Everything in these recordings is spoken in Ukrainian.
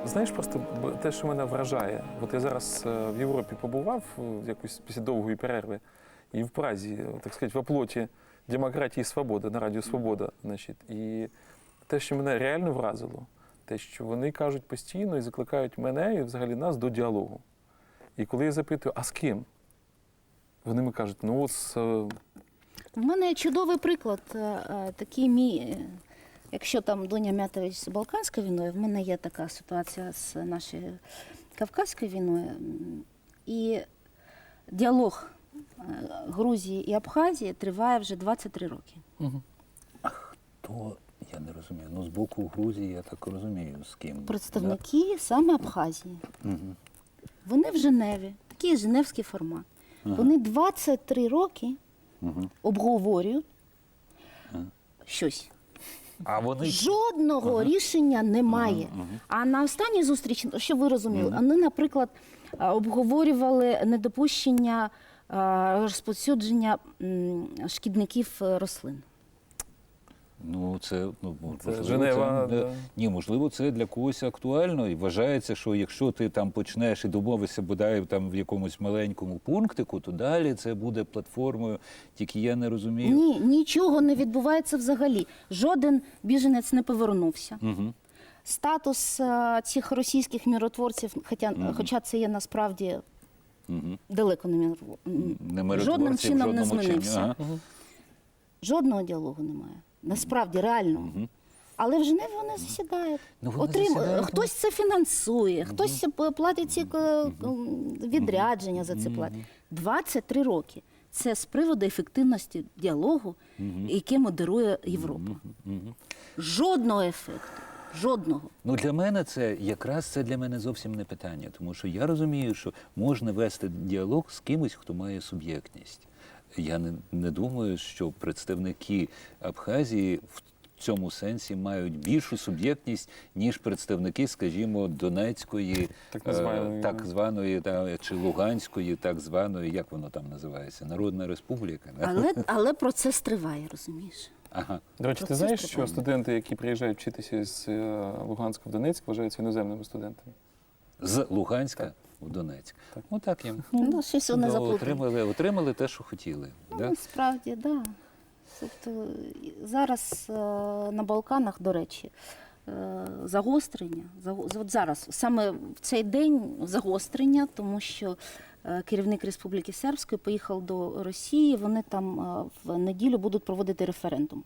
Знаєш, просто те, що мене вражає. От я зараз в Європі побував якось після довгої перерви, і в Празі, так сказати, в оплоті демократії і свободи, на Радіо Свобода. Значить. І те, що мене реально вразило, те, що вони кажуть постійно і закликають мене і взагалі нас до діалогу. І коли я запитую, а з ким? Вони мені кажуть, ну от з... В мене є чудовий приклад, такий мій, якщо там Дуня Мятович з Балканською війною, в мене є така ситуація з нашою Кавказькою війною. І діалог Грузії і Абхазії триває вже 23 роки. Угу. А хто, я не розумію, ну з боку Грузії я так розумію, з ким? Представники саме Абхазії. Угу. Вони в Женеві, такий женевський формат. Ага. Вони 23 роки Угу. обговорюють щось. А вони... Жодного рішення немає. А на останній зустрічі, щоб ви розуміли, вони, наприклад, обговорювали недопущення розповсюдження шкідників рослин. Ну, це, можливо, Женева, це, да. ні, можливо, це для когось актуально. І вважається, що якщо ти там почнеш і домовишся, бодай там в якомусь маленькому пунктику, то далі це буде платформою. Тільки я не розумію. Ні, нічого не відбувається взагалі. Жоден біженець не повернувся. Угу. Статус цих російських миротворців, хоча це є насправді далеко не Не жодним чином не жодному змінився. Ага. Жодного діалогу немає. Насправді, реально. Але в Женеві вони засідають. Ну, вони засідають, Хтось це фінансує, хтось платить ці відрядження за це платить. 23 роки. Це з приводу ефективності діалогу, який модерує Європа. Жодного ефекту. Жодного. Ну, для мене це, якраз це для мене зовсім не питання, тому що я розумію, що можна вести діалог з кимось, хто має суб'єктність. Я не думаю, що представники Абхазії в цьому сенсі мають більшу суб'єктність, ніж представники, скажімо, Донецької, так званої чи Луганської, так званої, як воно там називається, Народна Республіка. Але процес триває, розумієш? Ага. До речі, ти знаєш, що студенти, які приїжджають вчитися з Луганська в Донецьк, вважаються іноземними студентами? З Луганська в Донецьк. Так. Ну так їм. Ну, щось вони заплутали. Отримали те, що хотіли. Ну, Да? насправді, так. Да. Тобто, зараз на Балканах, до речі, загострення. От зараз, саме в цей день загострення, тому що керівник Республіки Сербської поїхав до Росії, вони там в неділю будуть проводити референдум.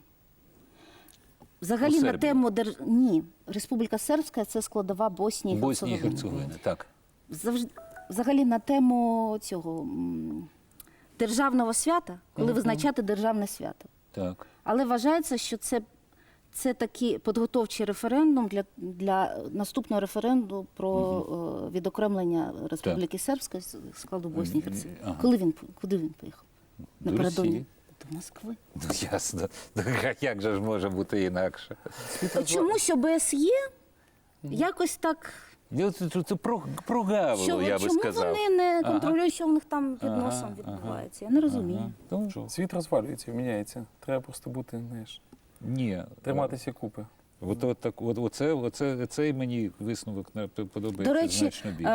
Взагалі на тему Ні, Республіка Сербська – це складова Боснії і Герцеговини. Боснії і Герцеговини, так. Взагалі на тему цього державного свята, коли визначати державне свято. Так. Але вважається, що це такий підготовчий референдум для наступного референдуму про відокремлення Республіки Сербської з складу Боснії і Герцеговини. Ага. Куди він поїхав? До Напередодні. Росії. До Москви. Ну, ясно. Як же ж може бути інакше? Чомусь ОБСЄ якось так... Це прогавило, я би сказав. Чому вони не контролюють, що в них там під носом відбувається? Я не розумію. Світ розвалюється, міняється. Треба просто бути, знаєш, Ні. триматися купи. Оцей мені висновок подобається До речі, значно більше.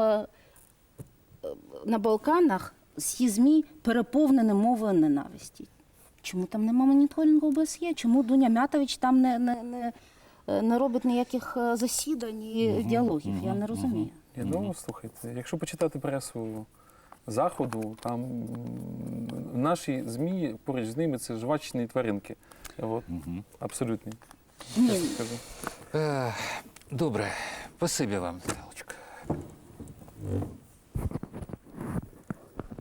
На Балканах всі ЗМІ переповнені мовою ненависті. Чому там нема моніторингу ОБСЄ? Чому Дуня Мятович там не робить ніяких засідань і діалогів? Я не розумію. Ну, слухайте, якщо почитати пресу Заходу, там наші ЗМІ, поруч з ними, це жвачні тваринки. От. Абсолютні. Ні. Добре, спасибі вам, Наталочка.